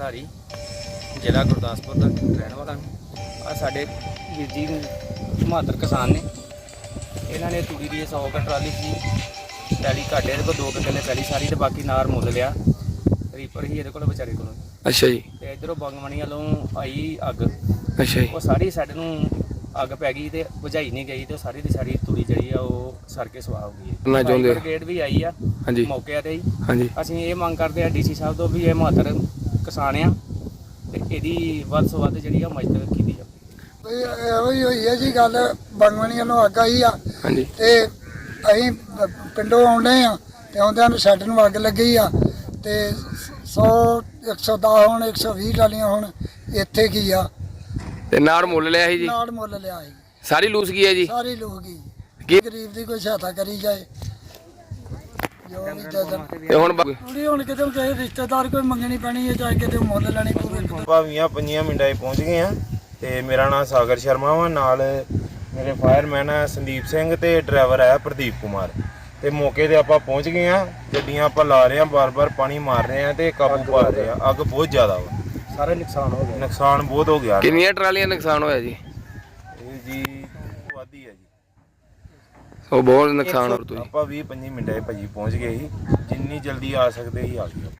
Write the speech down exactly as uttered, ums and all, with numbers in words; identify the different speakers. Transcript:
Speaker 1: ਭੰਡਾਰੀ ਜ਼ਿਲ੍ਹਾ ਗੁਰਦਾਸਪੁਰ ਦਾ ਰਹਿਣ ਵਾਲਾ ਆ। ਸਾਡੇ ਵੀਰ ਜੀ ਬਹਾਦਰ ਕਿਸਾਨ ਨੇ, ਇਹਨਾਂ ਨੇ ਤੂੜੀ ਦੀ ਸੌ ਕੁ ਟਰਾਲੀ ਸੀ ਪੈਲੀ ਘਾਟੇ ਇਹਦੇ ਕੋਲ ਦੋ ਕੁ ਕਿੱਲੇ ਪੈਲੀ ਸਾਰੀ, ਤੇ ਬਾਕੀ ਨਾਰ ਮੁੱਲ ਲਿਆ। ਰੀਪਰ ਹੀ ਇਹਦੇ ਕੋਲ ਵਿਚਾਰੇ ਕੋਲ।
Speaker 2: ਅੱਛਾ ਜੀ।
Speaker 1: ਤੇ ਇੱਧਰੋਂ ਬੰਗਮਣੀ ਵੱਲੋਂ ਆਈ ਅੱਗ।
Speaker 2: ਅੱਛਾ ਜੀ।
Speaker 1: ਉਹ ਸਾਰੀ ਸਾਡੇ ਨੂੰ ਅੱਗ ਪੈ ਗਈ ਤੇ ਬੁਝਾਈ ਨਹੀਂ ਗਈ, ਤੇ ਸਾਰੀ ਦੀ ਸਾਰੀ ਤੂੜੀ ਜਿਹੜੀ ਆ ਉਹ ਸੜ ਕੇ ਸਵਾਹ ਹੋ ਗਈ ਹੈ।
Speaker 2: ਚਾਹੁੰਦੇ
Speaker 1: ਬ੍ਰਿਗੇਡ ਵੀ ਆਈ ਆ
Speaker 2: ਹਾਂਜੀ
Speaker 1: ਮੌਕੇ ਤੇ ਹੀ।
Speaker 2: ਹਾਂਜੀ।
Speaker 1: ਅਸੀਂ ਇਹ ਮੰਗ ਕਰਦੇ ਆ ਡੀਸੀ ਸਾਹਿਬ ਤੋਂ ਵੀ ਇਹ ਮਹੱਤਰ ਕਿਸਾਨ ਆ ਤੇ ਇਹਦੀ ਵੱਧ ਤੋਂ ਵੱਧ ਜਿਹੜੀ ਆ ਮਦਦ ਕੀਤੀ ਜਾਵੇ।
Speaker 3: ਇਹੋ ਹੀ ਹੋਈ ਹੈ ਜੀ ਗੱਲ। ਬੰਗਮਣੀਆਂ ਨੂੰ ਅੱਗ ਆਈ ਆ
Speaker 2: ਹਾਂਜੀ।
Speaker 3: ਤੇ ਅਸੀਂ ਪਿੰਡੋਂ ਆਉਂਦੇ ਆ ਤੇ ਆਉਂਦਿਆਂ ਨੂੰ ਸਾਡੇ ਨੂੰ ਅੱਗ ਲੱਗੀ ਆ ਤੇ ਸੌ ਇੱਕ ਸੌ ਦਸ ਹੁਣ ਇੱਕ ਸੌ ਵੀਹ ਟਾਲੀਆਂ ਹੁਣ ਇੱਥੇ ਕੀ ਆ
Speaker 2: ਤੇ ਨਾੜ ਮੁੱਲ ਲਿਆ ਸੀ ਜੀ?
Speaker 3: ਨਾੜ ਮੁੱਲ ਲਿਆ ਸੀ।
Speaker 2: ਸਾਰੀ ਲੂਸ ਗਈ ਹੈ ਜੀ?
Speaker 3: ਸਾਰੀ ਲੋਕ ਗਈ।
Speaker 2: ਕੀ
Speaker 3: ਗਰੀਬ ਦੀ ਕੋਈ ਸਹਾਇਤਾ ਕਰੀ ਜਾਏ ਜੋ ਵੀ ਜਦਨ
Speaker 2: ਤੇ ਹੁਣ ਬ-
Speaker 3: ਥੋੜੀ ਹੁਣ ਕਿਤੇ ਕਿਸੇ ਰਿਸ਼ਤੇਦਾਰ ਕੋਈ ਮੰਗਣੀ ਪੈਣੀ ਹੈ, ਚਾਹੇ ਕਿਤੇ ਮੁੱਲ ਲੈਣੀ ਪਵੇ।
Speaker 4: ਭਾਵੀਆਂ ਪੰਜੀਆਂ ਮਿੰਟਾਂ 'ਚ ਪਹੁੰਚ ਗਏ ਆ ਤੇ ਮੇਰਾ ਨਾਮ ਸਾਗਰ ਸ਼ਰਮਾ ਵਾ। ਨਾਲ ਮੇਰੇ ਫਾਇਰਮੈਨ ਆ ਸੰਦੀਪ ਸਿੰਘ ਤੇ ਡਰਾਈਵਰ ਆ ਪ੍ਰਦੀਪ ਕੁਮਾਰ। ਤੇ ਮੌਕੇ ਤੇ ਆਪਾਂ ਪਹੁੰਚ ਗਏ ਆ। ਗੱਡੀਆਂ ਆਪਾਂ ਲਾ ਰਹੇ ਆ, ਬਾਰ-ਬਾਰ ਪਾਣੀ ਮਾਰ ਰਹੇ ਆ ਤੇ ਕਾਬੂ ਪਾ ਰਹੇ ਆ। ਅੱਗ ਬਹੁਤ ਜ਼ਿਆਦਾ ਵਾ,
Speaker 1: ਸਾਰਾ ਨੁਕਸਾਨ ਹੋ ਗਿਆ।
Speaker 4: ਨੁਕਸਾਨ ਬਹੁਤ ਹੋ ਗਿਆ।
Speaker 2: ਕਿੰਨੀਆਂ ਟਰਾਲੀਆਂ ਨੁਕਸਾਨ ਹੋਇਆ ਜੀ?
Speaker 4: ਇਹ ਜੀ ਵਾਦੀ ਹੈ ਜੀ।
Speaker 2: ਉਹ ਬਹੁਤ ਨੁਕਸਾਨ ਹੋ ਤੁਸੀਂ।
Speaker 4: ਆਪਾਂ ਵੀਹ ਪੰਜੀ ਮਿੰਟਾਂ 'ਚ ਭਾਜੀ ਪਹੁੰਚ ਗਏ ਸੀ। ਜਿੰਨੀ ਜਲਦੀ ਆ ਸਕਦੇ ਸੀ ਆ ਗਏ।